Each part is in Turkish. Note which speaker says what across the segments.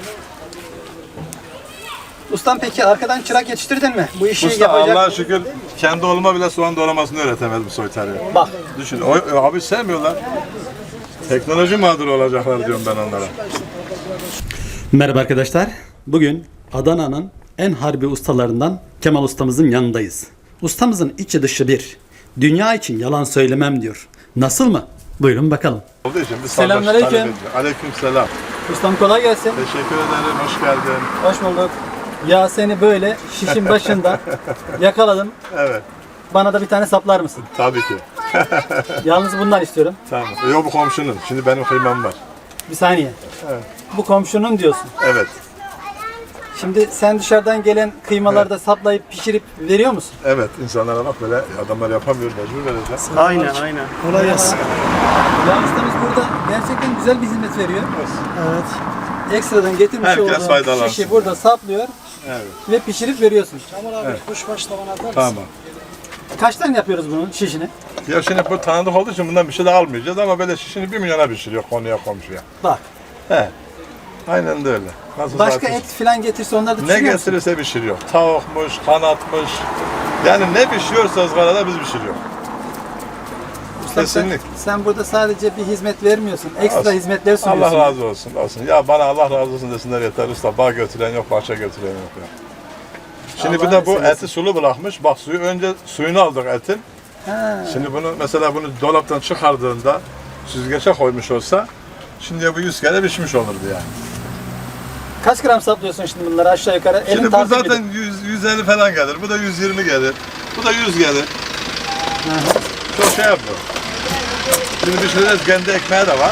Speaker 1: Ustam peki arkadan çırak yetiştirdin mi? Bu işi
Speaker 2: Usta
Speaker 1: yapacak.
Speaker 2: Allah'a şükür kendi oğluma bile soğan doğramasını öğretemedim soytarıya.
Speaker 1: Bak.
Speaker 2: Düşün, abi sevmiyorlar. Teknoloji mağduru olacaklar diyorum ben onlara.
Speaker 3: Merhaba arkadaşlar. Bugün Adana'nın en harbi ustalarından Kemal ustamızın yanındayız. Ustamızın içi dışı bir. Dünya için yalan söylemem diyor. Nasıl mı? Buyurun bakalım.
Speaker 2: Olduğu için biz
Speaker 1: Selamünaleyküm.
Speaker 2: Aleyküm selam.
Speaker 1: Ustam kolay gelsin.
Speaker 2: Teşekkür ederim, hoş geldin.
Speaker 1: Hoş bulduk. Ya seni böyle şişin başında yakaladım.
Speaker 2: Evet,
Speaker 1: Bana da bir tane saplar mısın?
Speaker 2: tabii ki.
Speaker 1: Yalnız bundan istiyorum.
Speaker 2: Tamam. Yok bu komşunun, şimdi benim kıymam var.
Speaker 1: Bir saniye.
Speaker 2: Evet.
Speaker 1: Bu komşunun diyorsun.
Speaker 2: Evet,
Speaker 1: Şimdi sen dışarıdan gelen kıymalarda saplayıp pişirip veriyor musun?
Speaker 2: evet. İnsanlara bak böyle adamlar yapamıyor, mecbur vereceğiz.
Speaker 4: Aynen.
Speaker 1: Kolay gelsin. Ya ustamız burada gerçekten güzel bir hizmet veriyor.
Speaker 4: Evet.
Speaker 1: Ekstradan getirmiş
Speaker 2: Herkes
Speaker 1: olduğun
Speaker 2: faydalansın.
Speaker 1: şişi burada saplıyor
Speaker 2: Evet,
Speaker 1: ve pişirip veriyorsun.
Speaker 4: Kemal abi kuşbaş tavana atar mısın?
Speaker 2: tamam.
Speaker 1: Kaçtan yapıyoruz bunun şişini?
Speaker 2: Ya şimdi bu tanıdık olduğu için bundan bir şey de almayacağız ama böyle şişini 1 milyona pişiriyor konuya komşuya.
Speaker 1: Bak.
Speaker 2: He. Aynen de öyle. Nasıl
Speaker 1: Başka
Speaker 2: zaten-
Speaker 1: et falan getirse onları da
Speaker 2: Ne
Speaker 1: pişiriyor musun?
Speaker 2: getirirse pişiriyor. Tavukmuş, kanatmış. Yani ne pişiyorsa ızgarada biz pişiriyor.
Speaker 1: Ustam
Speaker 2: Kesinlikle.
Speaker 1: sen burada sadece bir hizmet vermiyorsun. Ekstra
Speaker 2: Olsun.
Speaker 1: hizmetler sunuyorsun.
Speaker 2: Allah razı olsun, olsun. Ya bana Allah razı olsun desinler yeter usta. Bağ götüren yok, bahçe götüren yok ya. Şimdi bir
Speaker 1: Allah
Speaker 2: de bu
Speaker 1: seversen.
Speaker 2: eti sulu bırakmış. Bak suyu önce suyunu aldık etin.
Speaker 1: Ha.
Speaker 2: Şimdi bunu mesela bunu dolaptan çıkardığında süzgeçe koymuş olsa şimdi bu 100 kere pişmiş olurdu yani.
Speaker 1: Kaç gram saplıyorsun şimdi bunları aşağı yukarı? Elin
Speaker 2: Şimdi bu
Speaker 1: tartıp
Speaker 2: zaten 150 falan gelir. Bu da 120 gelir. Bu da 100 gelir. Çok şey yapıyor. Şimdi pişireceğiz. Kendi ekmeği de var.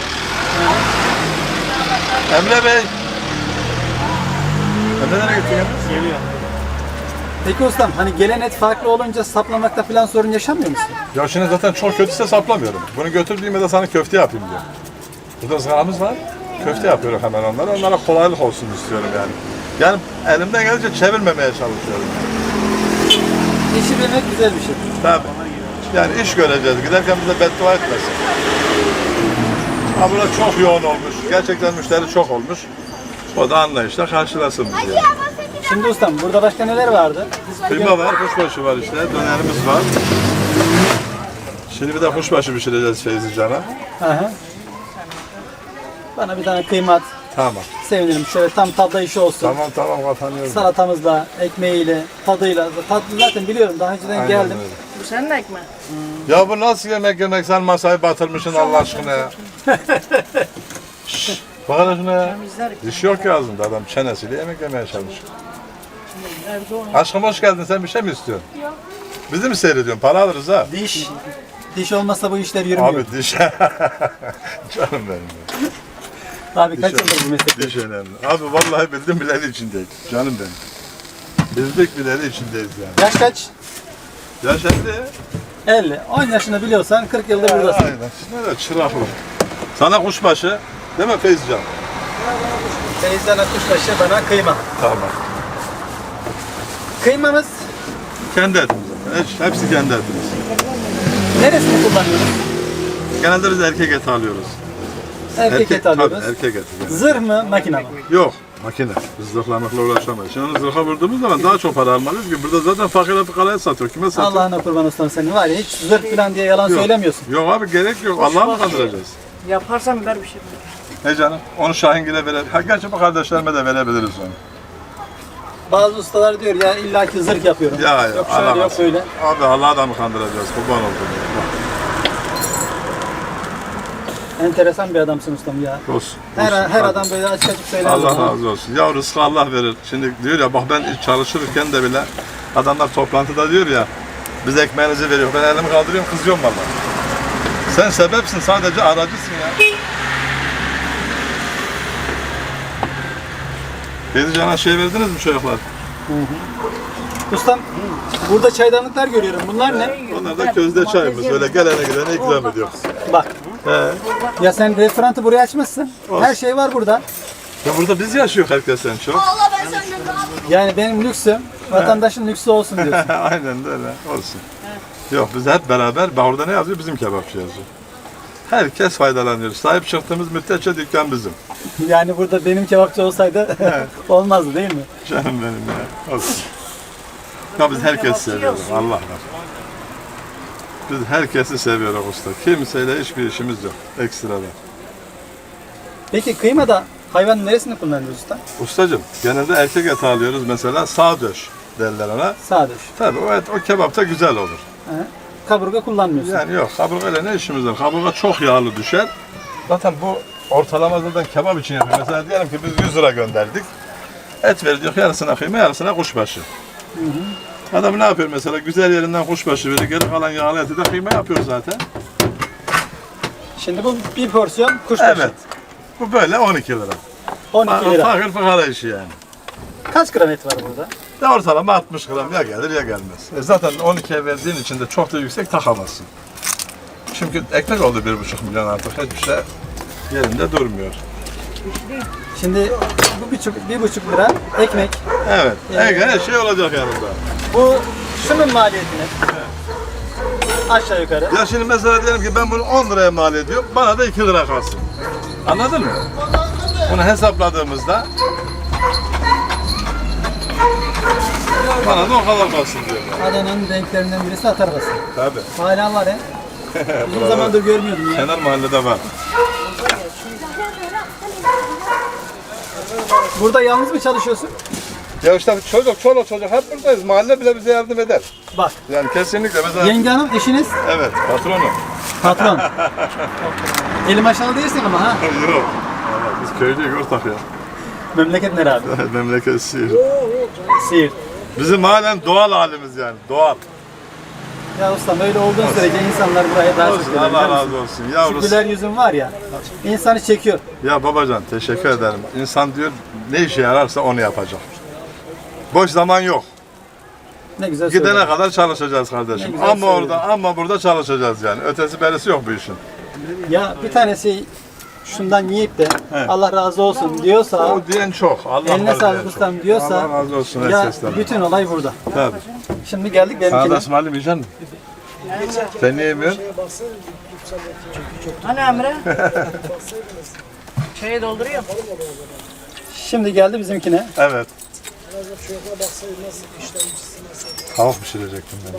Speaker 2: Emre Bey. Emre nereye gitti ya?
Speaker 4: Geliyor.
Speaker 1: Peki ustam hani gelen et farklı olunca saplamakta falan sorun yaşamıyor musun?
Speaker 2: Ya şimdi zaten çok kötüyse saplamıyorum. Bunu götürdüğümde de sana köfte yapayım diyor. Burada ızgaramız var. Köfte yapıyorum hemen onlara. Onlara kolaylık olsun istiyorum yani. Yani elimden gelince çevirmemeye çalışıyorum.
Speaker 1: Pişirmek güzel bir şey.
Speaker 2: Tabii. Yani iş göreceğiz. Giderken bize beddua etmesin. Ha burada çok yoğun olmuş. Gerçekten müşteri çok olmuş. O da anlayışla karşılasın bizi. Yani.
Speaker 1: Şimdi ustam burada başka neler vardı?
Speaker 2: Kıyma var, kuşbaşı var işte. Dönerimiz var. Şimdi bir de kuşbaşı pişireceğiz Feyzi Can'a.
Speaker 1: Aha. Bana bir tane kıyma at.
Speaker 2: Tamam.
Speaker 1: Sevinirim. Şöyle tam tadda işi olsun.
Speaker 2: Tamam kapanıyorum.
Speaker 1: Salatamızla, ekmeğiyle, tadıyla. Tatlı zaten biliyorum. Daha önceden
Speaker 2: Aynen
Speaker 1: geldim.
Speaker 2: öyle.
Speaker 4: Bu senin ekmeğin.
Speaker 2: Ya bu nasıl yemek sen masayı batırmışsın Allah aşkına ya. Şşş, bak hele şuna ya. Diş yok ya ağzında adam çenesiyle yemek yemeye çalışıyor. Aşkım hoş geldin sen bir şey mi istiyorsun? Yok. Bizi mi seyrediyorsun? Para alırız ha.
Speaker 1: Diş. Diş olmazsa bu işler yürümüyor.
Speaker 2: Abi diş. Canım benim. Ya.
Speaker 1: Abi kaç yıldır bu meslekte?
Speaker 2: Diş önemli. Abi vallahi bildim bileli içindeyiz. Canım benim. Bizlik bileli içindeyiz yani.
Speaker 1: Yaş kaç?
Speaker 2: Ya şimdi
Speaker 1: 50. 10 yaşını biliyorsan 40 yıldır buradasın.
Speaker 2: aynen. Şimdi de çıraklı. Sana kuşbaşı değil mi Feyzican?
Speaker 1: Teyzen kuşbaşı bana kıyma.
Speaker 2: Tamam.
Speaker 1: Kıymamız
Speaker 2: Kendi etimiz. Hepsi kendi etimiz.
Speaker 1: neresini kullanıyoruz?
Speaker 2: Genelde biz erkek eti alıyoruz.
Speaker 1: Erkek eti alıyoruz.
Speaker 2: Tabii, erkek eti. Yani.
Speaker 1: Zırh mı, makine mi?
Speaker 2: Yok, makine. Biz zırhlamakla uğraşamayız. Şimdi onu zırha vurduğumuz zaman daha çok para almalıyız ki burada zaten fakir fukaraya satıyor. Kime satıyor?
Speaker 1: Allah'ına kurban ustam senin var ya hiç zırh falan diye yalan
Speaker 2: Yok.
Speaker 1: söylemiyorsun.
Speaker 2: Yok abi gerek yok. Allah'ı mı kandıracağız?
Speaker 4: Yaparsan ver bir şey.
Speaker 2: He canım, onu Şahingil'e verebiliriz. Ha, gerçi bu kardeşlerime de verebiliriz onu.
Speaker 1: Bazı ustalar diyor ya illaki zırh yapıyorum.
Speaker 2: Ya,
Speaker 1: Yok şöyle yok
Speaker 2: alamaz.
Speaker 1: böyle.
Speaker 2: Abi Allah'ı da mı kandıracağız? Kurban oldum.
Speaker 1: Enteresan bir adamsın ustam ya.
Speaker 2: Olsun.
Speaker 1: Her
Speaker 2: olsun.
Speaker 1: adam böyle açık açık söyler.
Speaker 2: Allah razı olsun. Ya rızkı Allah verir. Şimdi diyor ya bak ben çalışırken de bile adamlar toplantıda diyor ya biz ekmeğinizi veriyor. Ben elimi kaldırıyorum kızıyorum vallahi. Sen sebepsin sadece aracısın ya. Teyze Can'a şey verdiniz mi çocuklar?
Speaker 1: Ustam burada çaydanlıklar görüyorum. Bunlar ne?
Speaker 2: Onlar da közde çayımız. Öyle gelene gidene ikram ediyoruz.
Speaker 1: Bak.
Speaker 2: He.
Speaker 1: Ya sen restoranı buraya açmışsın. Her şey var burada.
Speaker 2: Ya burada biz yaşıyoruz herkesten çok.
Speaker 1: Yani benim lüksüm vatandaşın lüksü olsun diyorsun.
Speaker 2: Aynen de öyle olsun. Yok biz hep beraber, orada ne yazıyor? Bizim kebapçı yazıyor. Herkes faydalanıyor. Sahip çıktığımız müddetçe dükkan bizim.
Speaker 1: Yani burada benim kebapçı olsaydı olmazdı değil mi?
Speaker 2: Canım benim ya. Olsun. Ya biz herkesi seviyoruz. Allah var. Biz herkesi seviyoruz usta. Kimseyle hiçbir işimiz yok. Ekstradan.
Speaker 1: Peki kıymada hayvanın neresini kullanıyoruz usta?
Speaker 2: Ustacığım genelde erkek eti alıyoruz mesela sağ döş derler ona.
Speaker 1: Sağ döş.
Speaker 2: Tabii o et o kebapta güzel olur.
Speaker 1: He. Kaburga kullanmıyorsun.
Speaker 2: Yani yok kaburgayla ne işimiz var? Kaburga çok yağlı düşer. Zaten bu ortalama zaten kebap için yapıyor. Mesela diyelim ki biz 100 lira gönderdik. Et veriyor yarısına kıyma yarısına kuşbaşı. Adam ne yapıyor mesela güzel yerinden kuşbaşı veriyor. Geri kalan yağlı eti de kıyma yapıyor zaten.
Speaker 1: Şimdi bu bir porsiyon kuşbaşı.
Speaker 2: Evet. Bu böyle 12 lira.
Speaker 1: 12 lira.
Speaker 2: Fakir fukara işi yani.
Speaker 1: Kaç gram et var burada?
Speaker 2: De ortalama 60 gram ya gelir ya gelmez. Zaten 12'ye verdiğin için de çok da yüksek takamazsın. Çünkü ekmek oldu 1,5 milyon artık hiçbir şey yerinde durmuyor.
Speaker 1: Şimdi bu 1,5 lira ekmek.
Speaker 2: Evet.
Speaker 1: Yani-
Speaker 2: Her şey olacak yanında.
Speaker 1: Bu şunun maliyeti ne? Aşağı yukarı.
Speaker 2: Ya şimdi mesela diyelim ki ben bunu 10 liraya mal ediyorum, bana da 2 lira kalsın. Anladın mı? Bunu hesapladığımızda bana da o kadar kalsın diyor.
Speaker 1: Adana'nın renklerinden birisi at arabası.
Speaker 2: Tabii.
Speaker 1: Hala var he. Uzun zamandır görmüyordum ya.
Speaker 2: Kenar mahallede var.
Speaker 1: Burada yalnız mı çalışıyorsun?
Speaker 2: Ya işte çoluk çocuk hep buradayız. Mahalle bile bize yardım eder.
Speaker 1: Bak.
Speaker 2: Yani kesinlikle mesela...
Speaker 1: Yenge hanım eşiniz
Speaker 2: Evet, patronu.
Speaker 1: patron. Elim aşağı değilsin ama ha.
Speaker 2: Yok. Biz köylüyük ortak ya.
Speaker 1: Memleket nere abi?
Speaker 2: Memleket Siirt.
Speaker 1: Siirt.
Speaker 2: Bizim halen doğal halimiz yani, doğal.
Speaker 1: Ya ustam öyle olduğun sürece insanlar buraya daha çok
Speaker 2: Olsun,
Speaker 1: gelir.
Speaker 2: Allah
Speaker 1: biliyor musun?
Speaker 2: razı olsun.
Speaker 1: Şu
Speaker 2: Yavrusu.
Speaker 1: güler yüzün var ya, insanı çekiyor.
Speaker 2: Ya babacan teşekkür ederim. İnsan diyor ne işe yararsa onu yapacak. Boş zaman yok.
Speaker 1: Ne güzel
Speaker 2: Gidene
Speaker 1: söyledin.
Speaker 2: kadar çalışacağız
Speaker 1: Ne
Speaker 2: kardeşim.
Speaker 1: güzel
Speaker 2: Ama
Speaker 1: söyledin.
Speaker 2: orada ama burada çalışacağız yani. Ötesi berisi yok bu işin.
Speaker 1: Ya bir tanesi şundan yiyip de
Speaker 2: Evet.
Speaker 1: Allah razı olsun diyorsa,
Speaker 2: O diyen çok. Allah
Speaker 1: eline
Speaker 2: var diyen
Speaker 1: sağlık
Speaker 2: çok.
Speaker 1: ustam diyorsa,
Speaker 2: Allah razı olsun
Speaker 1: ya
Speaker 2: herkesten.
Speaker 1: bütün olay burada.
Speaker 2: Tabii.
Speaker 1: Şimdi geldik
Speaker 2: Sana da
Speaker 1: benimkine.
Speaker 2: ısmarlamayacak mısın? Sen niye yemiyorsun?
Speaker 4: Hani Emre? Çayı dolduruyor.
Speaker 1: Şimdi geldi bizimkine.
Speaker 2: Evet. Tavuk pişirecektim ben.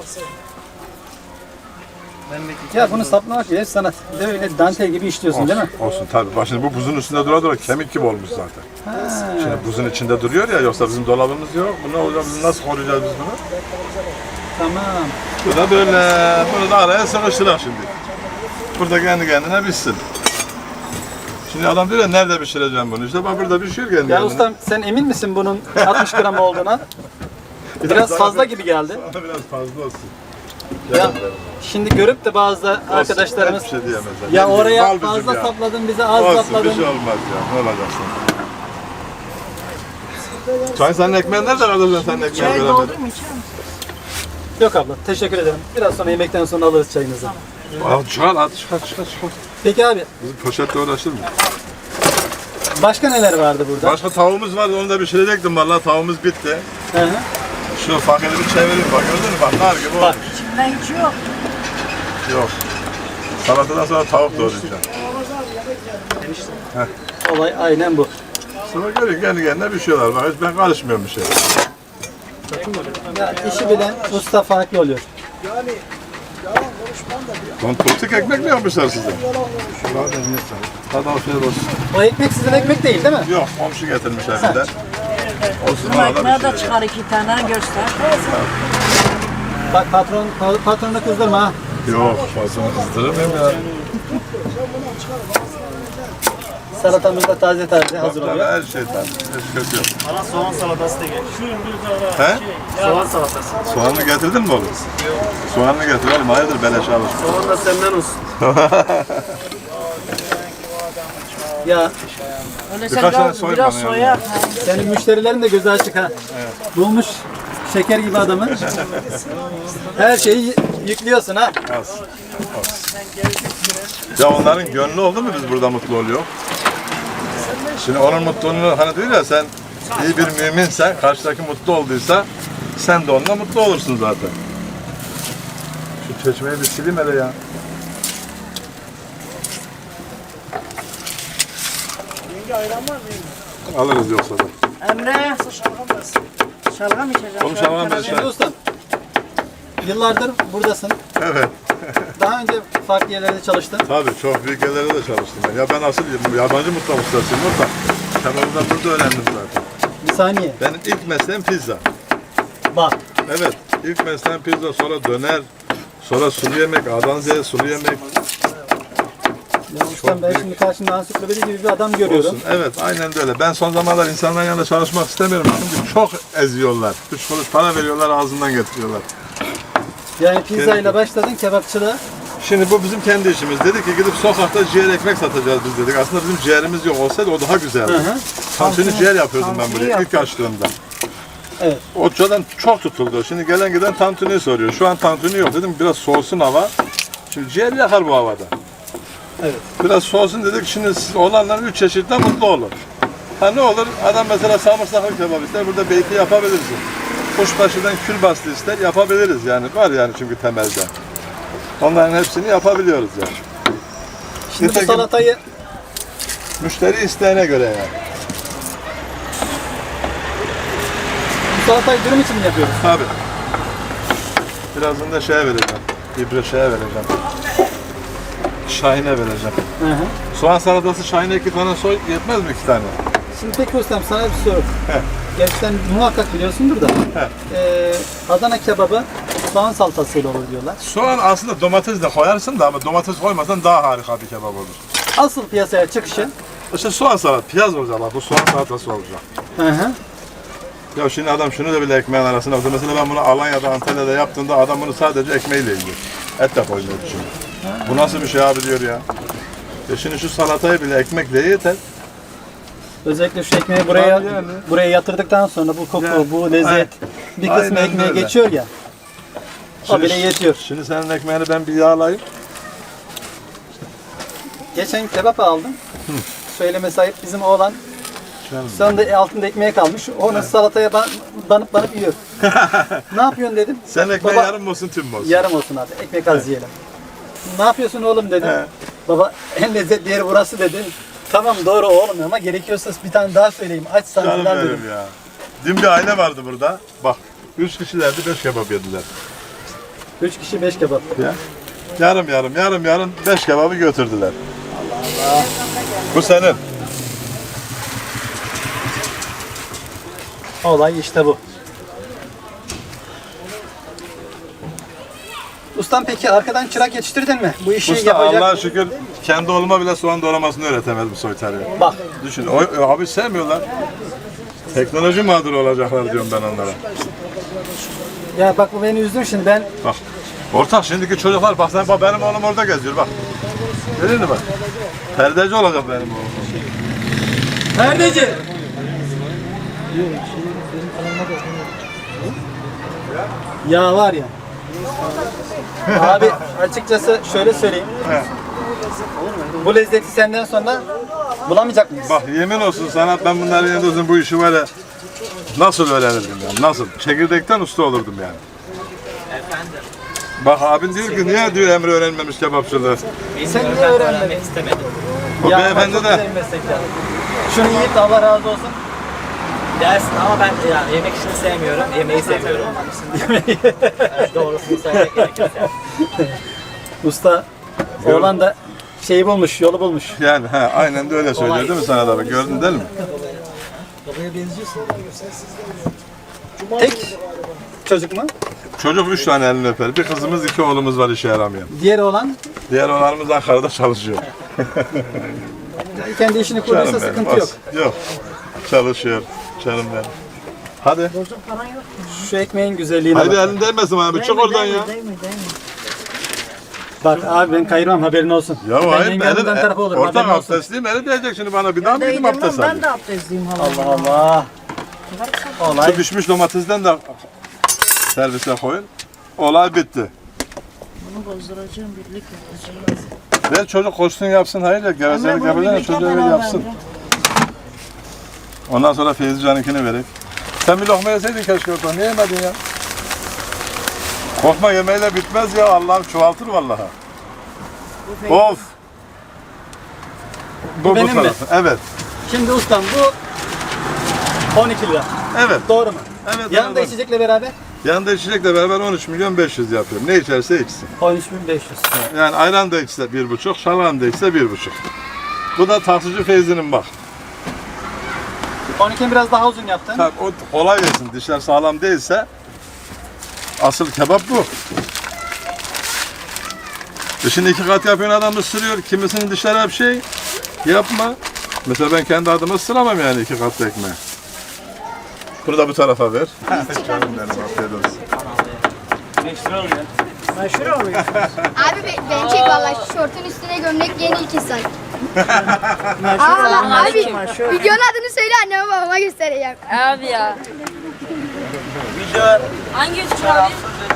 Speaker 1: Ya bunu saplamak bile sanat. Bir de öyle dantel gibi işliyorsun değil mi?
Speaker 2: Olsun tabii. Bak şimdi bu buzun üstünde dura dura kemik gibi olmuş zaten. Şimdi buzun içinde duruyor ya yoksa bizim dolabımız yok. Bu ne olacak? Biz nasıl koruyacağız biz bunu?
Speaker 1: Tamam.
Speaker 2: Bu da böyle. Bunu da araya sıkıştırak şimdi. Burada kendi kendine pişsin. Şimdi adam diyor ya nerede pişireceğim bunu? İşte bak burada pişiyor kendi
Speaker 1: Ya
Speaker 2: kendine.
Speaker 1: ustam sen emin misin bunun 60 gram olduğuna? Biraz fazla gibi geldi.
Speaker 2: Sana biraz fazla olsun.
Speaker 1: Ya şimdi görüp de bazı arkadaşlarımız
Speaker 2: Hiçbir şey diyemezler.
Speaker 1: ya
Speaker 2: Ne bileyim,
Speaker 1: oraya
Speaker 2: bal bizim
Speaker 1: fazla
Speaker 2: ya.
Speaker 1: sapladın bize az
Speaker 2: Olsun bir
Speaker 1: sapladın.
Speaker 2: şey olmaz ya. Ne olacaksın? Çay senin ekmeğin nerede kardeşim? Senin ekmeğini
Speaker 4: Çayı
Speaker 2: göremedim.
Speaker 4: doldurayım mı? İçer misin?
Speaker 1: Yok abla teşekkür ederim. Biraz sonra yemekten sonra alırız çayınızı.
Speaker 2: Al çıkar hadi çıkar.
Speaker 1: Peki abi
Speaker 2: Bizim poşetle uğraşır mı?
Speaker 1: başka neler vardı burada?
Speaker 2: Başka tavuğumuz vardı onu da pişirecektim vallahi tavuğumuz bitti.
Speaker 1: Hı hı.
Speaker 2: Şu fakiri bir çevireyim bak gördün mü bak nar gibi
Speaker 1: Bak.
Speaker 2: olmuş.
Speaker 4: İçinden hiç yok.
Speaker 2: Yok. Salatadan sonra tavuk doğrayacağım.
Speaker 1: Olay aynen bu.
Speaker 2: Sonra görüyor kendi kendine pişiyorlar bak hiç ben karışmıyorum bir şey.
Speaker 1: Ya işi bilen usta farklı oluyor.
Speaker 2: Lan politik ekmek mi yapmışlar size? Hadi afiyet olsun.
Speaker 1: O ekmek sizin ekmek değil değil mi?
Speaker 2: Yok komşu getirmiş evden. Olsun
Speaker 4: Bizim
Speaker 2: ona da
Speaker 4: ekmeğe
Speaker 2: bir
Speaker 4: de
Speaker 2: şey.
Speaker 4: çıkar 2 tane göster.
Speaker 1: Bak patronu kızdırma ha.
Speaker 2: Yok fazla kızdırır mıyım ya?
Speaker 1: Salatamız da taze hazır
Speaker 2: Tabii
Speaker 1: oluyor.
Speaker 2: her şey tabii. Hiç kötü yok.
Speaker 5: Bana soğan salatası da gel.
Speaker 2: He?
Speaker 5: Soğan salatası.
Speaker 2: Soğanını getirdin mi oğlum? Soğanını getir oğlum hayırdır beleşe alışma.
Speaker 5: Soğan da senden olsun.
Speaker 1: Ya
Speaker 4: Öyle
Speaker 2: Birkaç tane
Speaker 4: sen
Speaker 2: soy
Speaker 4: biraz
Speaker 2: bana
Speaker 4: soya.
Speaker 1: senin müşterilerin de gözü açık ha. Bulmuş şeker gibi adamı. Her şeyi yüklüyorsun ha.
Speaker 2: Az. Ya onların gönlü oldu mu biz burada mutlu oluyor? Şimdi onun mutluluğunu hani diyor ya sen iyi bir müminsen, karşıdaki mutlu olduysa sen de onunla mutlu olursun zaten. Şu çeşmeyi bir sileyim hele ya. Alırız yoksa da.
Speaker 4: Emre. Şalgam içeceğim.
Speaker 2: Oğlum şalgam ver.
Speaker 1: Şimdi ustam, yıllardır buradasın.
Speaker 2: Evet.
Speaker 1: Daha önce farklı yerlerde çalıştın.
Speaker 2: Tabii çok büyük yerlerde de çalıştım ben. Ya ben asıl yabancı mutfak ustasıyım orada. Kebabı da burada öğrendim zaten.
Speaker 1: Bir saniye.
Speaker 2: Benim ilk mesleğim pizza.
Speaker 1: Bak.
Speaker 2: Evet. İlk mesleğim pizza, sonra döner, sonra sulu yemek, A'dan Z'ye sulu yemek.
Speaker 1: Ya ustam ben şimdi karşımda ansiklopedi gibi bir adam görüyorum.
Speaker 2: Olsun. Evet, aynen de öyle. Ben son zamanlar insanların yanında çalışmak istemiyorum. Çünkü çok eziyorlar. 3 kuruş para veriyorlar, ağzından getiriyorlar.
Speaker 1: Yani pizza ile başladın kebapçılığa.
Speaker 2: Şimdi bu bizim kendi işimiz. Dedik ki gidip sokakta ciğer ekmek satacağız biz dedik. Aslında bizim ciğerimiz yok olsaydı o daha güzeldi. Tantuni ciğer yapıyordum ben buraya ilk açtığımda.
Speaker 1: Evet.
Speaker 2: Otçadan çok tutuldu. Şimdi gelen giden tantuni soruyor. Şu an tantuni yok dedim. Biraz soğusun hava. Şimdi ciğer yakar bu havada.
Speaker 1: Evet.
Speaker 2: Biraz soğusun dedik. Şimdi siz olanlar 3 çeşitle mutlu olur. Ha ne olur? Adam mesela samırsaklı kebap ister. Burada beyti yapabilirsin. Kuşbaşıdan kül bastı ister. Yapabiliriz yani. Var yani çünkü temelde. Onların hepsini yapabiliyoruz yani.
Speaker 1: Şimdi bu
Speaker 2: Nitekim-
Speaker 1: salatayı
Speaker 2: Müşteri isteğine göre yani.
Speaker 1: dürüm için mi yapıyoruz?
Speaker 2: Tabii. Birazdan da şeye vereceğim. İbre şeye vereceğim. Şahin'e vereceğim.
Speaker 1: Hı hı.
Speaker 2: Soğan salatası Şahin'e 2 tane soy yetmez mi 2 tane?
Speaker 1: Şimdi peki ustam sana bir soru. Gerçekten muhakkak biliyorsundur da. Adana kebabı soğan salatasıyla olur diyorlar.
Speaker 2: Soğan aslında domates de koyarsın da ama domates koymasan daha harika bir kebap olur.
Speaker 1: Asıl piyasaya çıkışı.
Speaker 2: İşte soğan salat, piyaz olacak bak bu soğan salatası olacak.
Speaker 1: Hı hı.
Speaker 2: Ya şimdi adam şunu da bile ekmeğin arasına koydu. Mesela ben bunu Alanya'da, Antalya'da yaptığımda adam bunu sadece ekmeğiyle yiyor. Et de koymuyor şimdi. Bu nasıl bir şey abi diyor ya. Şimdi şu salatayı bile ekmekle yeter.
Speaker 1: Özellikle şu ekmeği buraya
Speaker 2: Tabii yani.
Speaker 1: buraya yatırdıktan sonra bu koku,
Speaker 2: Yani.
Speaker 1: bu lezzet bir kısmı
Speaker 2: Aynen
Speaker 1: ekmeğe
Speaker 2: öyle.
Speaker 1: geçiyor ya. O bile yetiyor.
Speaker 2: Şimdi senin ekmeğini ben bir yağlayayım.
Speaker 1: Geçen kebap aldım. Söyleme sahip bizim oğlan.
Speaker 2: Canım.
Speaker 1: Sonunda altında ekmeğe kalmış. Onu salataya banıp yiyor. Ne yapıyorsun dedim.
Speaker 2: Sen ekmeği
Speaker 1: Baba,
Speaker 2: yarım olsun tüm olsun.
Speaker 1: yarım olsun abi. Ekmek az yiyelim. Ne yapıyorsun oğlum dedim.
Speaker 2: He.
Speaker 1: Baba en lezzetli yeri burası dedi. Tamam doğru oğlum ama gerekiyorsa bir tane daha söyleyeyim. Açsan
Speaker 2: Canım
Speaker 1: falan
Speaker 2: benim
Speaker 1: dedim.
Speaker 2: ya. Dün bir aile vardı burada. Bak 3 kişilerdi 5 kebap yediler.
Speaker 1: 3 kişi 5 kebap.
Speaker 2: Ya. Yarım 5 kebabı götürdüler. Bu senin.
Speaker 1: Olay işte bu. Ustam peki arkadan çırak yetiştirdin mi? Bu işi
Speaker 2: Usta
Speaker 1: yapacak.
Speaker 2: Allah'a şükür kendi oğluma bile soğan doğramasını öğretemez bu soytarı.
Speaker 1: Bak
Speaker 2: Düşün, abi sevmiyorlar. Teknoloji mağduru olacaklar diyorum ben onlara.
Speaker 1: ya bak bu beni üzdün şimdi ben.
Speaker 2: Bak. Ortak şimdiki çocuklar bak sen bak benim oğlum orada geziyor bak. Görüyor musun bak? Perdeci olacak benim oğlum.
Speaker 1: Perdeci. Ya var ya. Abi açıkçası şöyle söyleyeyim. Bu lezzeti senden sonra bulamayacak mıyız?
Speaker 2: Bak yemin olsun sana ben bunların yanında olsun bu işi var ya nasıl öğrenirdim yani nasıl? Çekirdekten usta olurdum yani. Bak abin diyor ki niye diyor Emre öğrenmemiş kebapçılığı.
Speaker 1: Sen niye öğrenmedin?
Speaker 2: O
Speaker 1: Ya
Speaker 2: beyefendi
Speaker 1: çok
Speaker 2: de
Speaker 1: güzel meslek ya. Şunu yiyip de Allah razı olsun.
Speaker 5: Dersin ama ben yani yemek işini sevmiyorum, yemeği seviyorum. Evet, doğrusunu söylemek gerekirse.
Speaker 1: Usta oğlan da şeyi bulmuş, yolu bulmuş.
Speaker 2: yani aynen de öyle söylüyor değil mi sana da bak gördün değil mi?
Speaker 1: Tek çocuk mu?
Speaker 2: Çocuk 3 tane elini öper. Bir kızımız 2 oğlumuz var işe yaramayan.
Speaker 1: Diğer oğlan
Speaker 2: Diğer oğlanımız Ankara'da çalışıyor.
Speaker 1: kendi işini kurduysa sıkıntı yok.
Speaker 2: Yok. Çalışıyor. Canım benim. Hadi.
Speaker 1: Şu ekmeğin güzelliğine
Speaker 2: Haydi
Speaker 1: bak.
Speaker 2: elin değmesin bana. Bir çık oradan ya.
Speaker 1: Bak abi ben kayırmam haberin olsun.
Speaker 2: Ya
Speaker 1: ben
Speaker 2: hayır
Speaker 1: yengemden tarafı olurum
Speaker 2: ortak
Speaker 1: haberin olsun.
Speaker 2: abdestliyim. Eli değecek şimdi bana. Bir daha mı gideyim abdest
Speaker 4: Ben
Speaker 2: alayım?
Speaker 4: de abdestliyim hala.
Speaker 1: Allah Allah. Olay.
Speaker 2: Şu pişmiş domatesden de servise koyun. Olay bitti.
Speaker 4: Bunu bozduracağım, birlik yapacağım.
Speaker 2: Ver çocuk koşsun yapsın. Hayır ya gevezelik yapacağına çocuğa ver yapsın. Ondan sonra Feyzi Can'ınkini vereyim. Sen bir lokma yeseydin keşke oradan. Niye yemedin ya? Korkma yemeğiyle bitmez ya. Allah'ım çoğaltır vallahi. Of. Bu
Speaker 1: benim mi?
Speaker 2: tarafı. Evet.
Speaker 1: Şimdi ustam bu 12 lira.
Speaker 2: Evet.
Speaker 1: Doğru mu?
Speaker 2: Evet.
Speaker 1: Yanında
Speaker 2: evet.
Speaker 1: içecekle beraber
Speaker 2: Yanında içecekle beraber 13.500.000 yapıyorum. Ne içerse içsin.
Speaker 1: 13.500.
Speaker 2: Yani ayran da içse 1,5, şalgam da içse 1,5. Bu da taksici Feyzi'nin bak.
Speaker 1: 12'yi biraz daha uzun yaptın.
Speaker 2: Tabii o kolay yesin. Dişler sağlam değilse asıl kebap bu. Şimdi 2 kat yapıyorsun adam ısırıyor. Kimisinin dişleri hep şey. Yapma. Mesela ben kendi adıma ısıramam yani 2 kat ekmeği. Bunu da bu tarafa ver. Canım benim, afiyet olsun.
Speaker 4: Meşhur oluyor.
Speaker 6: Abi beni çek valla şu şortun üstüne gömlek yeni 2 saat.
Speaker 4: Meşhur
Speaker 6: Abi
Speaker 4: meşhur.
Speaker 6: videonun adını söyle anneme babama göstereceğim.
Speaker 7: Abi ya. Hangi üç abi?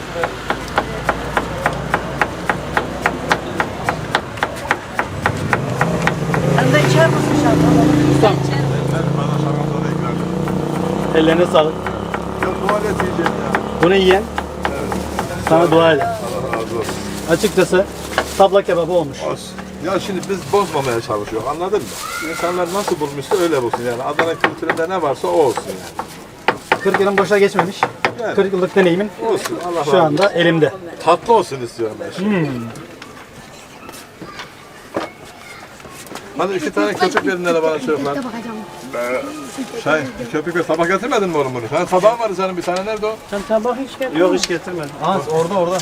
Speaker 4: Sen de içer misin şalgam?
Speaker 2: Bana şalgamda da ikram edin.
Speaker 1: Ellerine sağlık.
Speaker 2: Yok tuvalet yiyeceğim ya.
Speaker 1: Bunu yiyen sana dua eder.
Speaker 2: Allah razı olsun.
Speaker 1: Açıkçası tabla kebabı olmuş.
Speaker 2: Olsun. Ya şimdi biz bozmamaya çalışıyoruz, anladın mı? İnsanlar nasıl bulmuşsa öyle bulsun yani. Adana kültüründe ne varsa o olsun yani.
Speaker 1: 40 yılın boşa geçmemiş.
Speaker 2: Yani.
Speaker 1: 40 yıllık deneyimin
Speaker 2: Olsun, Allah razı
Speaker 1: şu
Speaker 2: olsun.
Speaker 1: anda elimde.
Speaker 2: Tatlı olsun istiyorum ben şimdi. Hadi 2 tane köpük verin hele bana çocuklar. Köpük ve tabak getirmedin mi oğlum bunu? Senin tabağın vardı senin bir tane, nerede o?
Speaker 4: Sen tabak hiç gel.
Speaker 1: Yok hiç getirmedim. Aa orada.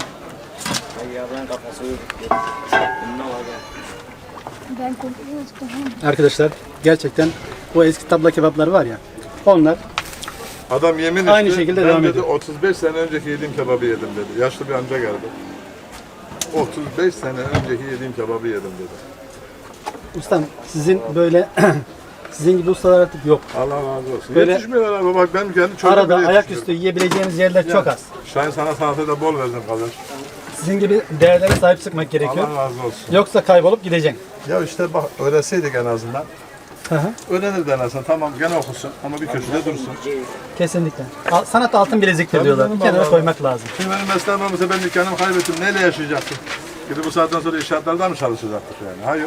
Speaker 6: Ben korkuyorum.
Speaker 1: Arkadaşlar gerçekten bu eski tabla kebapları var ya. Onlar
Speaker 2: Adam yemin
Speaker 1: Aynı
Speaker 2: etti,
Speaker 1: şekilde
Speaker 2: ben
Speaker 1: devam
Speaker 2: dedi,
Speaker 1: ediyor.
Speaker 2: 35 sene önceki yediğim kebabı yedim dedi. Yaşlı bir amca geldi. 35 sene önceki yediğim kebabı yedim dedi.
Speaker 1: ustam sizin böyle sizin gibi ustalar artık yok.
Speaker 2: Allah razı olsun.
Speaker 1: Böyle-
Speaker 2: Yetişmiyorlar abi, bak benim kendi çocuğum
Speaker 1: Arada
Speaker 2: bile
Speaker 1: ayaküstü
Speaker 2: yetişmiyor.
Speaker 1: yiyebileceğiniz yerler çok az.
Speaker 2: Şahin sana saate de bol verdim kardeş.
Speaker 1: Sizin gibi değerlere sahip çıkmak gerekiyor.
Speaker 2: Allah razı olsun.
Speaker 1: Yoksa kaybolup gideceksin.
Speaker 2: Ya işte bak öğrenseydik en azından.
Speaker 1: Hı hı.
Speaker 2: Öğrenirdi en azından. Tamam gene okusun ama bir köşede dursun.
Speaker 1: Kesinlikle. Sanat altın bileziktir
Speaker 2: Tabii
Speaker 1: diyorlar.
Speaker 2: canım,
Speaker 1: Bir kenara
Speaker 2: vallahi.
Speaker 1: koymak lazım.
Speaker 2: Şimdi benim mesleğim olmasa ben dükkanımı kaybettim. Neyle yaşayacaktım? Gidip bu saatten sonra inşaatlarda mı çalışacaktık yani? Hayır.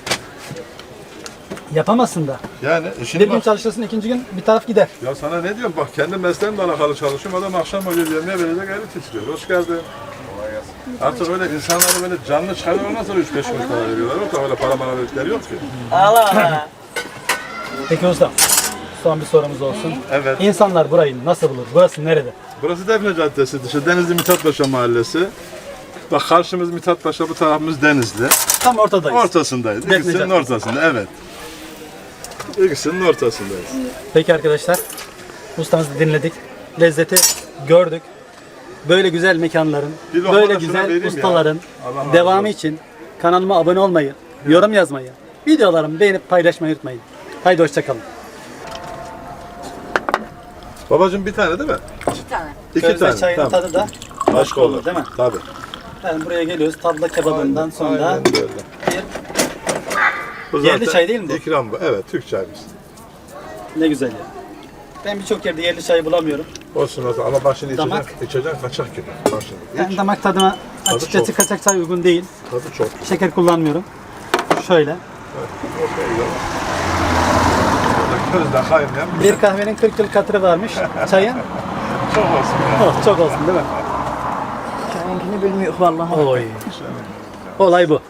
Speaker 1: Yapamazsın da.
Speaker 2: Yani
Speaker 1: Bir
Speaker 2: şimdi
Speaker 1: gün
Speaker 2: bak.
Speaker 1: çalışırsın, ikinci gün bir taraf gider.
Speaker 2: Ya sana ne diyorum bak kendi mesleğimle alakalı çalışıyorum. Adam akşam oluyor yemeğe verecek gayret istiyor. Hoş geldin. Artık öyle insanları böyle canlı çıkarıyor ondan sonra 3-5 kuruş para veriyorlar. Yoksa öyle para bana verdikleri yok ki.
Speaker 5: Allah Allah.
Speaker 1: Peki usta, son bir sorumuz olsun.
Speaker 2: Evet.
Speaker 1: İnsanlar burayı nasıl bulur? Burası nerede?
Speaker 2: Burası Defne Caddesi dışı. Denizli Mithatpaşa Mahallesi. Bak karşımız Mithatpaşa, bu tarafımız Denizli.
Speaker 1: Tam ortadayız.
Speaker 2: Ortasındayız.
Speaker 1: Defne
Speaker 2: İkisinin
Speaker 1: Caddesi.
Speaker 2: ortasında, evet. İkisinin ortasındayız.
Speaker 1: Peki arkadaşlar, ustamızı dinledik. Lezzeti gördük. Böyle güzel mekanların,
Speaker 2: Bir lokma
Speaker 1: böyle
Speaker 2: da şuna
Speaker 1: güzel
Speaker 2: vereyim ya.
Speaker 1: ustaların
Speaker 2: Allah razı
Speaker 1: devamı
Speaker 2: olsun.
Speaker 1: için kanalıma abone olmayı, yorum yazmayı, videolarımı beğenip paylaşmayı unutmayın. Haydi hoşçakalın.
Speaker 2: Babacığım bir tane değil mi?
Speaker 7: 2 tane.
Speaker 2: İki
Speaker 1: Közde
Speaker 2: tane.
Speaker 1: çayın
Speaker 2: Tamam.
Speaker 1: tadı da başka olur değil mi?
Speaker 2: Tabii.
Speaker 1: Yani buraya geliyoruz tabla kebabından sonra
Speaker 2: Aynen öyle. Bu
Speaker 1: Yerli
Speaker 2: zaten
Speaker 1: çay değil mi bu?
Speaker 2: İkram bu. Evet, Türk çayımız.
Speaker 1: ne güzel ya. Ben birçok yerde yerli çayı bulamıyorum.
Speaker 2: Olsun olsun ama bak şimdi
Speaker 1: Damak.
Speaker 2: içeceksin kaçak gibi. Bak şimdi.
Speaker 1: Ben damak tadıma
Speaker 2: Tadı
Speaker 1: açıkçası
Speaker 2: çok.
Speaker 1: kaçak çay uygun değil.
Speaker 2: Tadı çok.
Speaker 1: Şeker kullanmıyorum. Şöyle.
Speaker 2: Közde kaynayan
Speaker 1: Bir kahvenin 40 yıl katırı varmış. Çayın
Speaker 2: çok olsun ya.
Speaker 1: oh, çok olsun değil mi?
Speaker 4: Çayınkini bilmiyor vallahi.
Speaker 1: Oy. Olay bu.